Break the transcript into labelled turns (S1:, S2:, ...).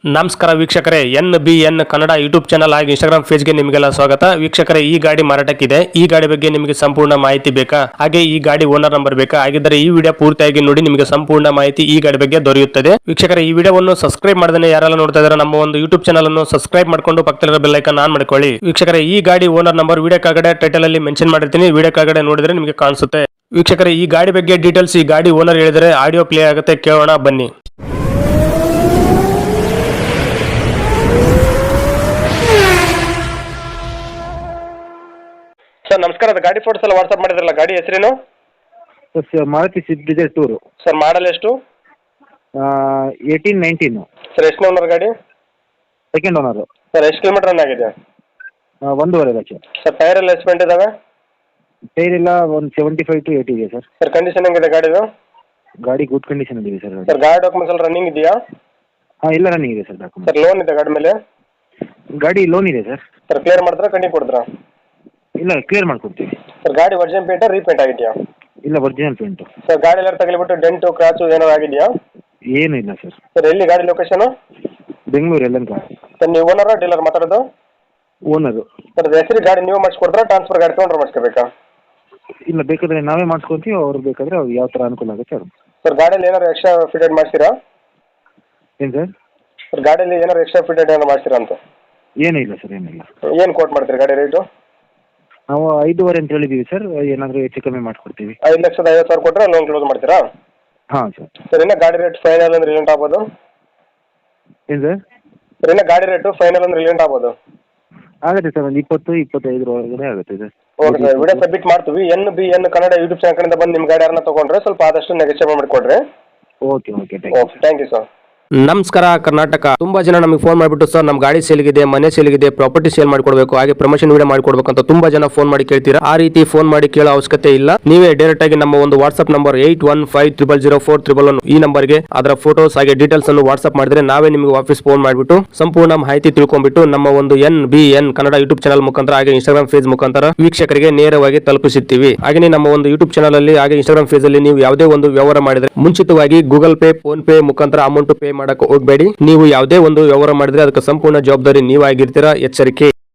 S1: ನಮಸ್ಕಾರ ವೀಕ್ಷಕರೇ, NBN Kannada YouTube channel ಹಾಗೂ ಇನ್ಸ್ಟಾಗ್ರಾಮ್ ಪೇಜ್ಗೆ ನಿಮಗೆಲ್ಲ ಸ್ವಾಗತ. ವೀಕ್ಷಕರೇ, ಈ ಗಾಡಿ ಮಾರಾಟಕ್ಕಿದೆ. ಈ ಗಾಡಿ ಬಗ್ಗೆ ನಿಮಗೆ ಸಂಪೂರ್ಣ ಮಾಹಿತಿ ಬೇಕಾ? ಹಾಗೆ ಈ ಗಾಡಿ ಓನರ್ ನಂಬರ್ ಬೇಕಾ? ಹಾಗಿದ್ದರೆ ಈ ವಿಡಿಯೋ ಪೂರ್ತಿಯಾಗಿ ನೋಡಿ, ನಿಮಗೆ ಸಂಪೂರ್ಣ ಮಾಹಿತಿ ಈ ಗಾಡಿ ಬಗ್ಗೆ ದೊರೆಯುತ್ತದೆ. ವೀಕ್ಷಕರೇ, ಈ ವಿಡಿಯೋವನ್ನು ಸಬ್ಸ್ಕ್ರೈಬ್ ಮಾಡದೇ ಯಾರೆಲ್ಲ ನೋಡ್ತಾ ಇದ್ದಾರೆ ನಮ್ಮ ಒಂದು ಯೂಟ್ಯೂಬ್ ಚಾನಲ್ ಅನ್ನು ಸಬ್ಸ್ಕ್ರೈಬ್ ಮಾಡ್ಕೊಂಡು ಪಕ್ಕದಲ್ಲಿರೋ ಬೆಲ್ ಐಕಾನ್ ಆನ್ ಮಾಡ್ಕೊಳ್ಳಿ. ವೀಕ್ಷಕರೇ, ಈ ಗಾಡಿ ಓನರ್ ನಂಬರ್ ವಿಡಿಯೋ ಕೆಳಗಡೆ ಟೈಟಲ್ ಅಲ್ಲಿ ಮೆನ್ಷನ್ ಮಾಡಿರ್ತೀನಿ, ವಿಡಿಯೋ ಕೆಳಗಡೆ ನೋಡಿದ್ರೆ ನಿಮಗೆ ಕಾಣಿಸುತ್ತೆ. ವೀಕ್ಷಕರೇ, ಈ ಗಾಡಿ ಬಗ್ಗೆ ಡೀಟೇಲ್ಸ್ ಈ ಗಾಡಿ ಓನರ್ ಹೇಳಿದರೆ ಆಡಿಯೋ ಪ್ಲೇ ಆಗುತ್ತೆ, ಕೇಳೋಣ ಬನ್ನಿ. ಸರ್ ನಮಸ್ಕಾರ, ಅದು ಗಾಡಿ ಫೋಟೋಸ್ ಎಲ್ಲ ವಾಟ್ಸಪ್ ಮಾಡಿದ್ರಲ್ಲ, ಗಾಡಿ ಹೆಸರೇನು?
S2: Sir Maruti Swift Dzire tour.
S1: Sir model ಎಷ್ಟು?
S2: 18-19.
S1: ಸರ್ ಎಷ್ಟು ಓನರ್ ಗಾಡಿ?
S2: Second owner.
S1: ಸರ್ ಎಷ್ಟು ಕಿಲೋಮೀಟರ್ ರನ್ ಆಗಿದೆ?
S2: 1.5 ಲಕ್ಷ.
S1: ಸರ್ ಟೈರ್ ಎಲ್ಲ ಎಸ್ಪೆಂಟ್ ಇದಾವೆ?
S2: ಟೈರ್ ಎಲ್ಲ ಒಂದು 75 to 80 ಇದೆ ಸರ್.
S1: ಸರ್ ಕಂಡೀಷನ್ ಹೆಂಗಿದೆ ಗಾಡಿದು?
S2: ಗಾಡಿ ಗುಡ್ ಕಂಡೀಷನ್ ಇದೆ ಸರ್.
S1: ಸರ್ ಗಾಡಿ ಡಾಕ್ಯುಮೆಂಟ್ಸ್ ಎಲ್ಲ ರನ್ನಿಂಗ್ ಇದೆಯಾ?
S2: ಹಾಂ, ಎಲ್ಲ ರನ್ನಿಂಗ್ ಇದೆ ಸರ್ ಡಾಕ್ಯುಮೆಂಟ್.
S1: ಸರ್ ಲೋನ್ ಇದೆ ಗಾಡಿ ಮೇಲೆ?
S2: ಗಾಡಿ ಲೋನ್ ಇದೆ ಸರ್.
S1: ಸರ್ ಕ್ಲಿಯರ್ ಮಾಡಿದ್ರೆ ಕಂಡಿಗೆ ಕೊಡ್ತೀರಾ?
S2: ಇಲ್ಲ, ಕ್ಲಿಯರ್ ಮಾಡ್ಕೊಡ್ತೀವಿ.
S1: ಸರ್ ಗಾಡಿ ಒರಿಜಿನಲ್ ಪೇಂಟ್ ರೀಪೇಂಟ್ ಆಗಿದೆಯಾ?
S2: ಇಲ್ಲ, ಒರಿಜಿನಲ್ ಪೇಂಟು.
S1: ಸರ್ ಗಾಡಿ ಎಲ್ಲ ತಗಲಿಬಿಟ್ಟು ಡೆಂಟು ಕ್ರಾಚು ಏನಾದ್ರು ಆಗಿದೆಯಾ?
S2: ಏನೂ ಇಲ್ಲ ಸರ್.
S1: ಸರ್ ಎಲ್ಲಿ ಗಾಡಿ ಲೊಕೇಶನು?
S2: ಬೆಂಗಳೂರು ಎಲ್ಲನ್ ಗಾಡಿ.
S1: ಸರ್ ನೀವು ಓನರ್ ಡೀಲರ್ ಮಾತಾಡೋದು?
S2: ಓನರು.
S1: ಸರ್ ಹೆಸರು ಗಾಡಿ ನೀವು ಮಾಡಿಸ್ಕೊಡ್ತೀರಾ, ಟ್ರಾನ್ಸ್ಫರ್ ಗಾಡಿ ತೊಗೊಂಡ್ರೆ ಮಾಡಿಸ್ಕೋಬೇಕಾ?
S2: ಇಲ್ಲ, ಬೇಕಾದರೆ ನಾವೇ ಮಾಡಿಸ್ಕೊತೀವಿ, ಅವ್ರು ಬೇಕಾದರೆ ಅವ್ರು ಯಾವ ಥರ ಅನುಕೂಲ ಆಗುತ್ತೆ ಅವ್ರು.
S1: ಸರ್ ಗಾಡಿಯಲ್ಲಿ ಏನಾದ್ರು ಎಕ್ಸ್ಟ್ರಾ ಫಿಟೆಡ್ ಮಾಡಿಸಿರಾ?
S2: ಏನು ಸರ್?
S1: ಸರ್ ಗಾಡಿಯಲ್ಲಿ ಏನಾದ್ರು ಎಕ್ಸ್ಟ್ರಾ ಫಿಟೆಡ್ ಏನಾರು ಮಾಡಿಸಿರಾ ಅಂತ?
S2: ಏನೂ ಇಲ್ಲ ಸರ್, ಏನಿಲ್ಲ.
S1: ಏನು ಕೋಟ್ ಮಾಡ್ತೀರಿ ಗಾಡಿ ರೇಟು?
S2: ನಾವು 5.5 ಅಂತ ಹೇಳಿದ್ದೀವಿ ಸರ್. ಏನಾದರೂ ಹೆಚ್ಚು ಕಮ್ಮಿ ಮಾಡಿಕೊಡ್ತೀವಿ.
S1: 5,50,000 ಕೊಟ್ಟರೆ ಲೋನ್ ಕ್ಲೋಸ್ ಮಾಡ್ತೀರಾ?
S2: ಹಾಂ ಸರ್.
S1: ಸರ್ ಇನ್ನು ಗಾಡಿ ರೇಟ್ ಫೈನಲ್ ಅಂದ್ರೆ ರಿಲೆಂಟ್ ಆಗ್ಬೋದು?
S2: ಏನು ಸರ್?
S1: ಸರ್ ಇನ್ನು ಗಾಡಿ ರೇಟು ಫೈನಲ್ ಅಂದ್ರೆ ರಿಲೆಂಟ್ ಆಗ್ಬೋದು?
S2: ಆಗುತ್ತೆ ಸರ್, ಒಂದು 20-25 ಒಳಗಡೆ ಆಗುತ್ತೆ sir.
S1: Okay sir, video submit ಮಾಡ್ತೀವಿ. NBN ಕನ್ನಡ ಯೂಟ್ಯೂಬ್ ಚಾನಲ್ ಕಡೆಯಿಂದ ಬಂದು ನಿಮ್ಮ ಗಾಡಿ ಯಾರನ್ನ ತೊಗೊಂಡ್ರೆ ಸ್ವಲ್ಪ ಆದಷ್ಟು ನೆಗೋಷಿಯೇಟ್ ಮಾಡಿಕೊಡ್ರಿ.
S2: Okay okay, thank you
S1: sir. ನಮಸ್ಕಾರ ಕರ್ನಾಟಕ. ತುಂಬಾ ಜನ ನಮಗೆ ಫೋನ್ ಮಾಡಿಬಿಟ್ಟು ಸರ್ ನಮ್ಮ ಗಾಡಿ ಸೇಲ್ಗಿದೆ, ಮನೆ ಸೇಲ್ಗಿದೆ, ಪ್ರಾಪರ್ಟಿ ಸೇಲ್ ಮಾಡ್ಕೊಡ್ಬೇಕು, ಹಾಗೆ ಪ್ರಮೋಷನ್ ವಿಡಿಯೋ ಮಾಡ್ಕೊಡ್ಬೇಕು ಅಂತ ತುಂಬಾ ಜನ ಫೋನ್ ಮಾಡಿ ಕೇಳ್ತೀರಾ. ಆ ರೀತಿ ಫೋನ್ ಮಾಡಿ ಕೇಳೋ ಅವಶ್ಯಕತೆ ಇಲ್ಲ. ನೀವೇ ಡೈರೆಕ್ಟ್ ಆಗಿ ನಮ್ಮ ಒಂದು ವಾಟ್ಸ್ಆಪ್ ನಂಬರ್ 81500411 ಈ ನಂಬರ್ಗೆ ಅದರ ಫೋಟೋಸ್ ಹಾಗೆ ಡೀಟೇಲ್ಸ್ ಅನ್ನು ವಾಟ್ಸ್ಆಪ್ ಮಾಡಿದ್ರೆ ನಾವೇ ನಿಮಗೆ ವಾಪಸ್ ಫೋನ್ ಮಾಡಿಬಿಟ್ಟು ಸಂಪೂರ್ಣ ಮಾಹಿತಿ ತಿಳ್ಕೊಂಡ್ಬಿಟ್ಟು ನಮ್ಮ ಒಂದು NBN ಕನ್ನಡ ಯೂಟ್ಯೂಬ್ ಚಾನಲ್ ಮುಖಾಂತರ ಹಾಗೆ ಇನ್ಸ್ಟಾಗ್ರಾಮ್ ಪೇಜ್ ಮುಖಾಂತರ ವೀಕ್ಷಕರಿಗೆ ನೇರವಾಗಿ ತಲುಪಿಸುತ್ತೀವಿ. ಹಾಗೆ ನಮ್ಮ ಒಂದು ಯೂಟ್ಯೂಬ್ ಚಾನಲ್ ಅಲ್ಲಿ ಹಾಗೆ ಇನ್ಸ್ಟಾಗ್ರಾಮ್ ಪೇಜ್ ಅಲ್ಲಿ ನೀವು ಯಾವುದೇ ಒಂದು ವ್ಯವಹಾರ ಮಾಡಿದ್ರೆ ಮುಂಚಿತವಾಗಿ ಗೂಗಲ್ ಪೇ, ಫೋನ್ ಪೇ ಮುಖಾಂತರ ಅಮೌಂಟ್ ಪೇ ಮಾಡಕ್ಕೆ ಹೋಗಬೇಡಿ. ನೀವು ಯಾವುದೇ ಒಂದು ವ್ಯವಹಾರ ಮಾಡಿದ್ರೆ ಅದಕ್ಕೆ ಸಂಪೂರ್ಣ ಜವಾಬ್ದಾರಿ ನೀವಾಗಿರ್ತೀರಾ, ಎಚ್ಚರಿಕೆ.